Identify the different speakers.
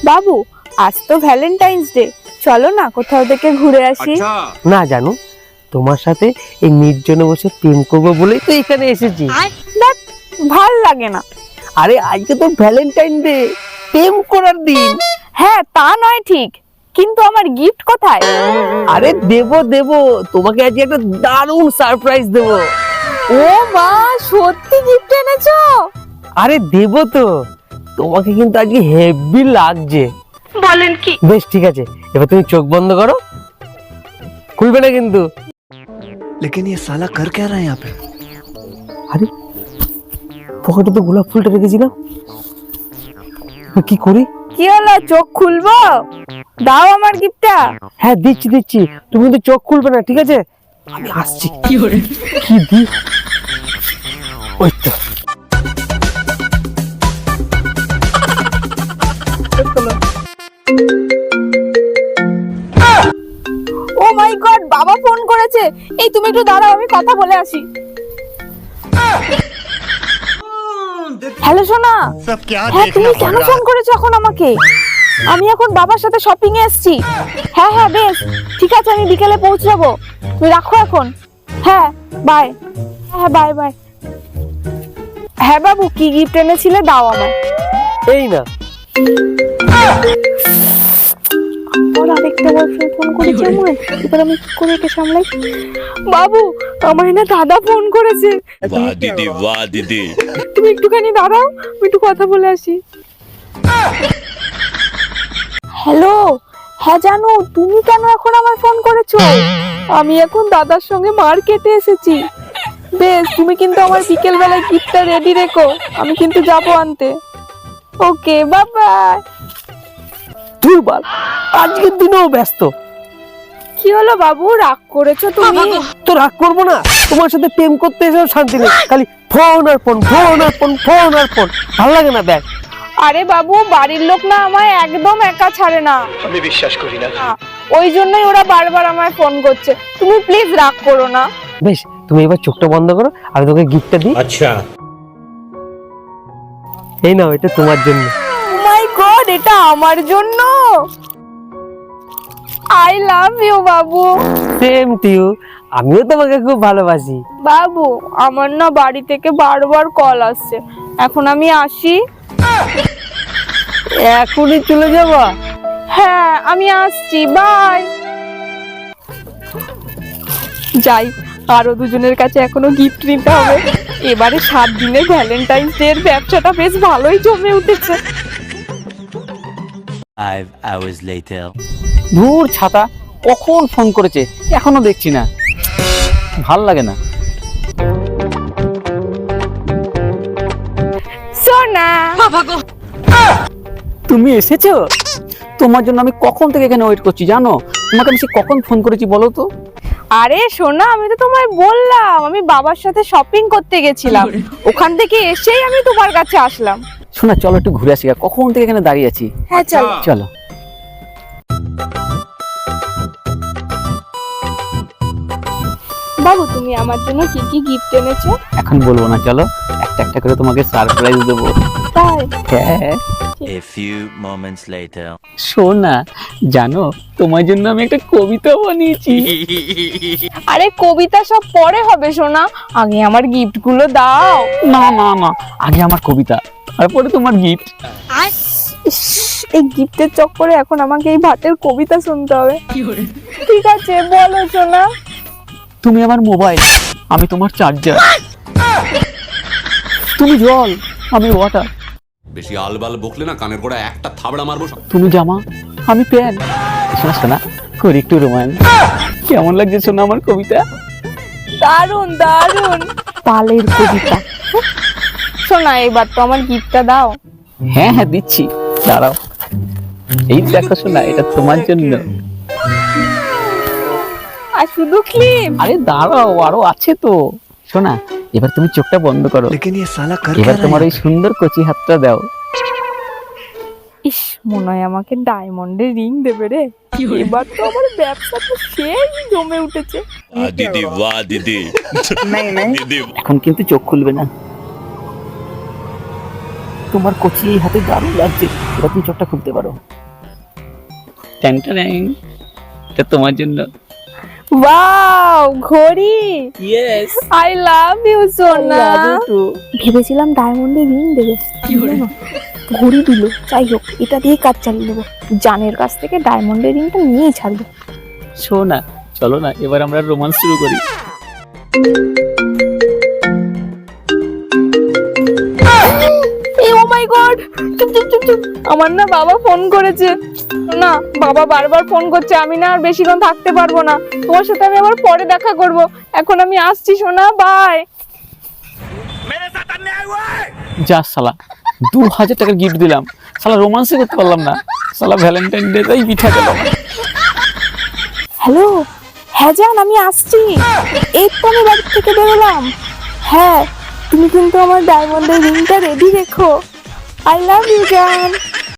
Speaker 1: বাবু, আজ তো ভ্যালেন্টাইন্স ডে, চলো না কোথাও থেকে ঘুরে আসি।
Speaker 2: না জানো, তোমার সাথে এই নির্জনে বসে প্রেম করবো বলেই তো এখানে এসেছি।
Speaker 1: দেখ, ভাল লাগে না।
Speaker 2: আরে আজকে তো ভ্যালেন্টাইন ডে, প্রেম করার দিন।
Speaker 1: হ্যাঁ, তা নয় ঠিক, কিন্তু আমার গিফট কোথায়?
Speaker 2: আরে দেবো দেবো, তোমাকে আজকে একটা দারুণ সারপ্রাইজ দেবো।
Speaker 1: ও মা, সত্যি গিফট এনেছো?
Speaker 2: আরে দেবো তো, তোমাকে কিন্তু আজকে হেভি লাগছে।
Speaker 1: বলেন কি?
Speaker 2: বেশ ঠিক আছে, এবার তুমি চোখ বন্ধ করো, খুলবে না কিন্তু।
Speaker 3: लेकिन ये साला कर क्या रहा है यहाँ पे?
Speaker 2: আরে পকেটে তো গোলাপ ফুলটা রেখেছিলাম, এবার কি করি?
Speaker 1: কি হলো, চোখ খুলবো? দাও আমার গিফটটা।
Speaker 2: হ্যাঁ দিচ্ছি দিচ্ছি, তুমি কিন্তু চোখ খুলবে না, ঠিক আছে? আমি আসছি। কি দি? ওই তো।
Speaker 1: ও মাই গড, বাবা ফোন করেছে। এই তুমি একটু দাঁড়াও, আমি কথা বলে আসি। হ্যালো সোনা, হ্যাঁ তুমি কেন ফোন করেছো এখন আমাকে? আমি এখন বাবার সাথে শপিং এ এসেছি। হ্যাঁ হ্যাঁ বেশ, ঠিক আছে, আমি বিকেলে পৌঁছাবো। তুমি রাখো এখন। হ্যাঁ বাই। হ্যাঁ বাই বাই। হ্যাঁ বাবু, কি গিফট এনেছিলে দাও আমায়।
Speaker 2: এই না,
Speaker 1: ওর আরেকটা বয়ফ্রেন্ড ফোন করেছে আমায়, এবার আমি কি করে একে সামলাই? বাবু, আমার না দাদা ফোন করেছে।
Speaker 4: वाह दीदी वाह दीदी।
Speaker 1: তুমি একটুখানি দাঁড়াও, আমি একটু কথা বলে আসি। হ্যালো, হ্যাঁ জানো, তুমি কেন এখন আমার ফোন করেছো? আমি এখন দাদার সঙ্গে মার্কেটে এসেছি। বেশ, তুমি কিন্তু আমার বিকেল বেলায় গিফটটা রেডি রেখো, আমি কিন্তু যাবো আনতে। Okay, bye bye.
Speaker 2: দুর্বল, আজকের দিনেও ব্যস্ত।
Speaker 1: কি হলো বাবু, রাগ করেছো তুমি?
Speaker 2: তো রাগ করবো না, তোমার সাথে প্রেম করতে এসেও শান্তি নেই, খালি ফোন আর ফোন, ফোন আর ফোন, ফোন আর ফোন, ভালো লাগে না ব্যাগ।
Speaker 1: আরে বাবু, বাড়ির লোক না আমায় একদম একা ছাড়ে না,
Speaker 3: আমি বিশ্বাস করি না।
Speaker 1: ওই জন্যই ওরা বারবার আমায় ফোন করছে। তুমি প্লিজ রাগ করো না।
Speaker 2: বেশ, তুমি এবার চোখটা বন্ধ করো, আমি তোকে গিফটটা দিই।
Speaker 4: अच्छा
Speaker 2: এই নাও, এটা তোমার জন্য।
Speaker 1: ও মাই গড, এটা আমার জন্য? আই লাভ ইউ বাবু।
Speaker 2: সেম টু ইউ, আমিও তোমাকে খুব ভালোবাসি।
Speaker 1: বাবু, আমার না বাড়ি থেকে বারবার কল আসছে, এখন আমি আসি।
Speaker 2: এখনই চলে যাবা?
Speaker 1: হ্যাঁ আমি আসছি, বাই। যাই, আরো দুজনের কাছে এখনো গিফট নিতে হবে। এবারে 7 দিনের ভ্যালেন্টাইন্স ডে এর ব্যবসাটা বেশ ভালোই জমে উঠেছে।
Speaker 4: 5 hours later।
Speaker 5: ধুর ছাতা, কখন ফোন করেছে এখনো দেখছি না, ভাল লাগে না।
Speaker 1: সোনা,
Speaker 5: তুমি এসেছো? তোমার জন্য আমি কখন থেকে এখানে ওয়েট করছি জানো? তোমাকে আমি সে কখন ফোন করেছি বলো তো?
Speaker 1: আরে সোনা, আমি তো তোমায় বললাম আমি বাবার সাথে শপিং করতে গেছিলাম, ওখান থেকে এসেই আমি তোমার কাছে আসলাম।
Speaker 5: শোনা, চলো একটু ঘুরে আসি, কখন থেকে এখানে দাঁড়িয়ে আছি।
Speaker 1: হ্যাঁ চলো।
Speaker 5: চলো।
Speaker 1: বাবু, তুমি আমার জন্য কি কি গিফট এনেছো?
Speaker 5: এখন বলবো না, চলো একটা একটা করে তোমাকে সারপ্রাইজ দেবো।
Speaker 1: তাই?
Speaker 5: হ্যাঁ।
Speaker 4: A few moments later।
Speaker 5: শোনা, জানো তোমার জন্য আমি একটা কবিতা বানিয়েছি।
Speaker 1: আরে কবিতা সব পরে হবে সোনা, আগে আমার গিফট গুলো দাও।
Speaker 5: না না না, আগে আমার কবিতা, তারপরে তোমার গিফট।
Speaker 1: ইস, এই গিফটের চক্করে এখন আমাকে এই ভাতের কবিতা শুনতে হবে। ঠিক আছে, বলো সোনা।
Speaker 5: তুমি আমার মোবাইল, আমি তোমার চার্জার। তুমি জল, আমি ওয়াটার।
Speaker 6: বেশি আলবাল বকলে না কানের গোড়া একটা থাবড়া মারবো।
Speaker 5: তুমি জামা, আমি প্যান। শোনা শোনা, করি একটু রোম্যান্স। কেমন লাগছে শোনা আমার কবিতা?
Speaker 1: দারুন দারুন, পালের কবিতা। সোনা, এবার তো আমার গিফটটা দাও।
Speaker 5: হ্যাঁ হ্যাঁ দিচ্ছি, দাঁড়াও। এই দেখো শোনা, এটা তোমার জন্য।
Speaker 1: আর শুধু ক্লিপ?
Speaker 5: আরে দাঁড়াও, আরো আছে তো। শোনা, এবার তুমি চোখটা বন্ধ করো,
Speaker 3: लेकिन ये साला कर क्या
Speaker 5: এবার
Speaker 3: रहा
Speaker 5: তোমার
Speaker 3: है?
Speaker 5: ওই সুন্দর কচি হাতটা দাও।
Speaker 1: ইস, মনে হয় আমাকে ডায়মন্ডের রিং দেবে রে। এবার তো আমার ব্যবসাটা সেই জমে উঠেছে।
Speaker 4: वाह दीदी वाह दीदी। दीदी
Speaker 5: এখন কিন্তু চোখ খুলবে না। তোমার কচি এই হাতে দারুণ লাগছে, এবার তুমি চোখটা খুলতে পারো। ট্যাং ট্যাং, এটা তোমার জন্য।
Speaker 1: ওয়াও, ঘড়ি।
Speaker 5: ইয়েস,
Speaker 1: আই লাভ ইউ সোনা। ভেবেছিলাম ডায়মন্ডের রিং দেবে, ঘড়ি দিল। যাই হোক, এটা দিয়ে কাজ চালিয়ে দেবো। জানের কাছ থেকে ডায়মন্ডের রিংটা নিয়েই ছাড়বো।
Speaker 5: শোনা, চলো না এবার আমরা রোমান্স শুরু করি।
Speaker 1: ও মাই গড, চুপ চুপ চুপ চুপ। আমার না বাবা ফোন করেছে। না, বাবা বারবার ফোন করছে, আমি না আর বেশিক্ষণ থাকতে পারবো না। তোমার সাথে আমি আবার পরে দেখা করব। এখন আমি আসছি সোনা, বাই।
Speaker 5: যা শালা, 2000 টাকার গিফট দিলাম, শালা রোমান্সই করতে পারলাম না। শালা ভ্যালেন্টাইন ডে তাই পিঠা খেলাম।
Speaker 1: হ্যালো, হ্যাঁ জান, আমি আসছি। এই তো আমি বাড়ি থেকে বেরোলাম। হ্যাঁ, তুমি কিন্তু আমার ডায়মন্ডের রিংটা রেডি রেখো। আই লাভ ইউ জান।